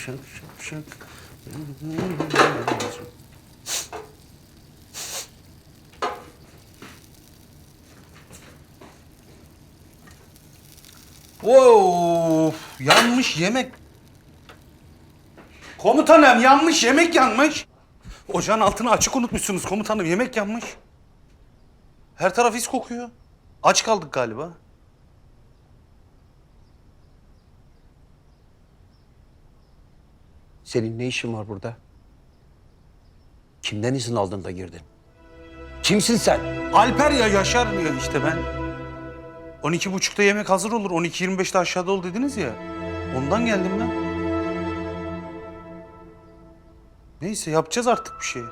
şak şak şak. Of, yanmış yemek. Komutanım yanmış, yemek yanmış. Ocağın altını açık unutmuşsunuz komutanım, yemek yanmış. Her taraf is kokuyor. Aç kaldık galiba. Senin ne işin var burada? Kimden izin aldın da girdin? Kimsin sen? Alper ya, Yaşar ya işte ben. 12.30'da yemek hazır olur, 12.25'te aşağıda ol dediniz ya. Ondan geldim ben. Neyse yapacağız artık bir şey.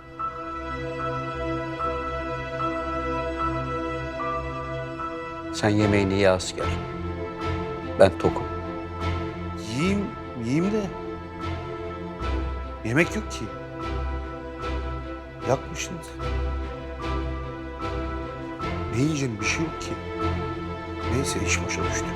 Sen yemeğini ye asker. Ben tokum. Yiyeyim de. Yemek yok ki. Yakmışsınız. Ne yiyeceğim, bir şey yok ki. Neyse iş başa düştü.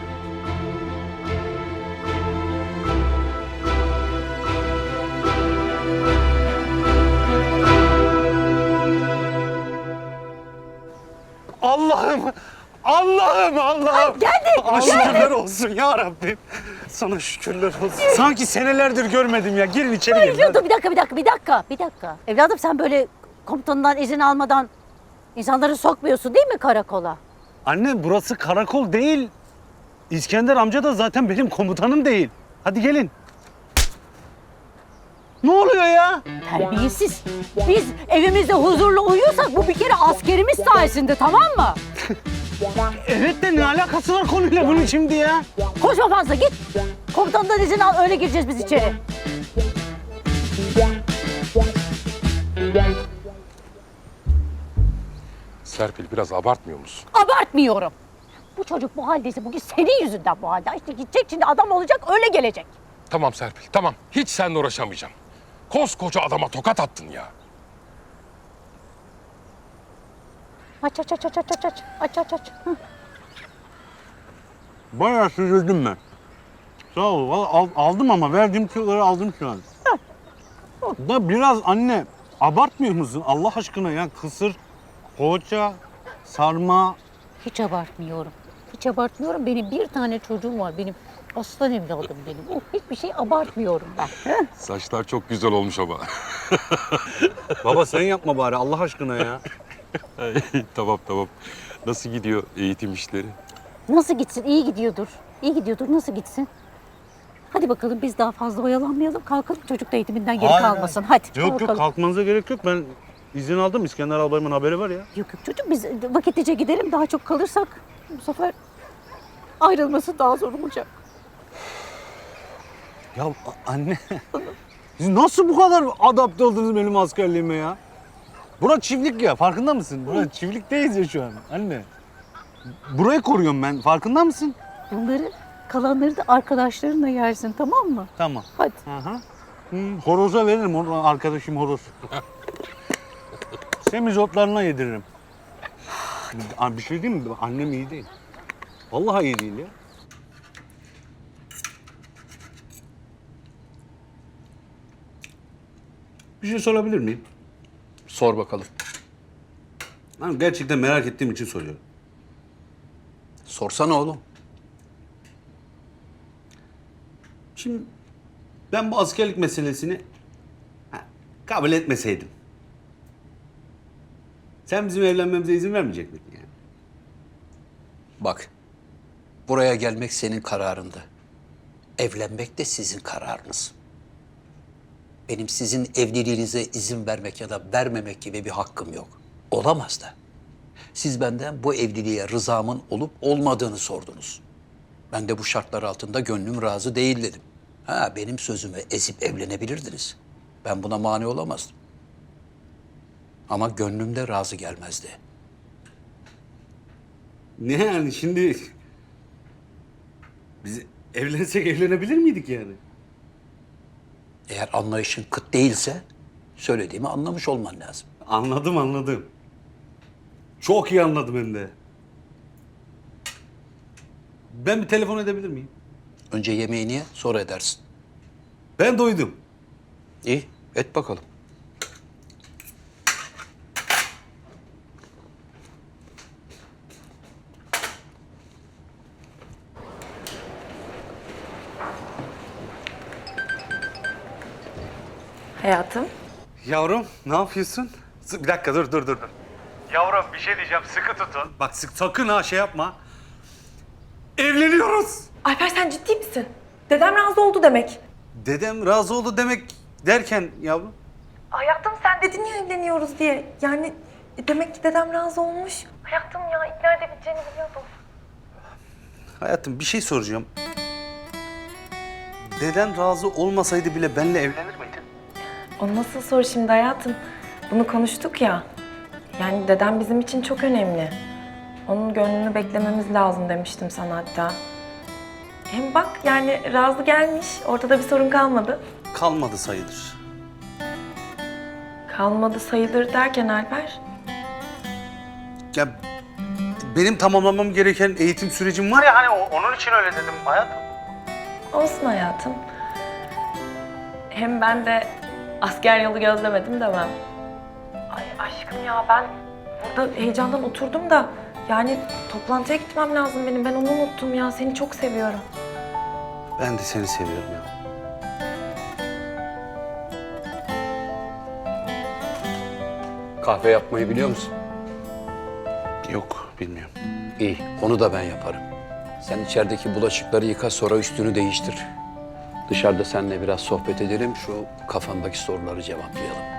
Allah'ım! Allah'ım! Geldik, Sana şükürler olsun ya Rabbim. Sana şükürler olsun. Sanki senelerdir görmedim ya. Girin içeri girin. Dur bir dakika. Evladım sen böyle komutanından izin almadan insanları sokmuyorsun değil mi karakola? Anne burası karakol değil. İskender amca da zaten benim komutanım değil. Hadi gelin. Ne oluyor ya? Terbiyesiz. Biz evimizde huzurlu uyuyorsak bu bir kere askerimiz sayesinde, tamam mı? Evet de ne alakası var konuyla bunun şimdi ya? Koşma fazla, git. Komutandan izin al, öyle gireceğiz biz içeri. Serpil biraz abartmıyor musun? Abartmıyorum. Bu çocuk bu haldeyse bugün senin yüzünden bu halde. İşte gidecek şimdi, adam olacak, öyle gelecek. Tamam Serpil, tamam. Hiç seninle uğraşamayacağım. Koskoca adama tokat attın ya. Aç. Hı. Bayağı süzüldüm ben. Sağ ol. Vallahi aldım ama verdiğim kiloları aldım şu an. Da biraz anne abartmıyor musun Allah aşkına ya? Kısır, poğaça, sarma. Hiç abartmıyorum. Benim bir tane çocuğum var. Benim aslan evladım benim. Hiçbir şey abartmıyorum ben. Saçlar çok güzel olmuş ama. Baba sen yapma bari Allah aşkına ya. Tamam. Nasıl gidiyor eğitim işleri? Nasıl gitsin? İyi gidiyordur. Nasıl gitsin? Hadi bakalım biz daha fazla oyalanmayalım. Kalkalım, çocuk da eğitiminden geri kalmasın. Hadi Yok kalkalım. kalkmanıza gerek yok. Ben izin aldım. İskender albayımın haberi var ya. Yok çocuk, biz vakitlice gidelim. Daha çok kalırsak bu sefer ayrılması daha zor olacak. Ya anne. Siz nasıl bu kadar adapte oldunuz benim askerliğime ya? Bura çiftlik ya, farkında mısın? Bura çiftlikteyiz ya şu an anne. Burayı koruyorum ben, farkında mısın? Bunları, kalanları da arkadaşlarınla yersin, tamam mı? Tamam. Hadi. Aha. Horoza veririm, arkadaşım horoz. Semizotlarına yediririm. Bir şey diyeyim mi? Annem iyi değil. Vallahi iyi değil ya. Bir şey sorabilir miyim? Sor bakalım. Ben gerçekten merak ettiğim için soruyorum. Sorsana oğlum. Şimdi ben bu askerlik meselesini kabul etmeseydim. Sen bizim evlenmemize izin vermeyecek miydin yani? Bak, buraya gelmek senin kararındı. Evlenmek de sizin kararınız. Benim sizin evliliğinize izin vermek ya da vermemek gibi bir hakkım yok. Olamaz da. Siz benden bu evliliğe rızamın olup olmadığını sordunuz. Ben de bu şartlar altında gönlüm razı değil dedim. Benim sözümü ezip evlenebilirdiniz. Ben buna mani olamazdım. Ama gönlüm de razı gelmezdi. Ne yani şimdi biz evlensek evlenebilir miydik yani? Eğer anlayışın kıt değilse söylediğimi anlamış olman lazım. Anladım. Çok iyi anladım hem de. Ben bir telefon edebilir miyim? Önce yemeğini ye, sonra edersin. Ben doydum. İyi, et bakalım. Hayatım. Yavrum ne yapıyorsun? Bir dakika dur. Yavrum bir şey diyeceğim sıkı tutun. Bak sakın ha şey yapma. Evleniyoruz. Alper sen ciddi misin? Dedem razı oldu demek. Dedem razı oldu demek derken yavrum. Hayatım sen dedin ya evleniyoruz diye. Yani demek ki dedem razı olmuş. Hayatım ya ikna edebileceğini biliyordum. Hayatım bir şey soracağım. Deden razı olmasaydı bile benimle evlenir miydin? O nasıl soru şimdi hayatım? Bunu konuştuk ya. Yani dedem bizim için çok önemli. Onun gönlünü beklememiz lazım demiştim sana hatta. Hem bak yani razı gelmiş. Ortada bir sorun kalmadı. Kalmadı sayılır. Kalmadı sayılır derken Alper. Ya benim tamamlamam gereken eğitim sürecim var ya hani onun için öyle dedim hayatım. Olsun hayatım. Hem ben de asker yolu gözlemedim demem. Ay aşkım ya ben burada heyecandan oturdum da yani toplantıya gitmem lazım benim. Ben onu unuttum ya. Seni çok seviyorum. Ben de seni seviyorum ya. Kahve yapmayı biliyor musun? Yok bilmiyorum. İyi, onu da ben yaparım. Sen içerideki bulaşıkları yıka, sonra üstünü değiştir. Dışarıda seninle biraz sohbet edelim, şu kafandaki soruları cevaplayalım.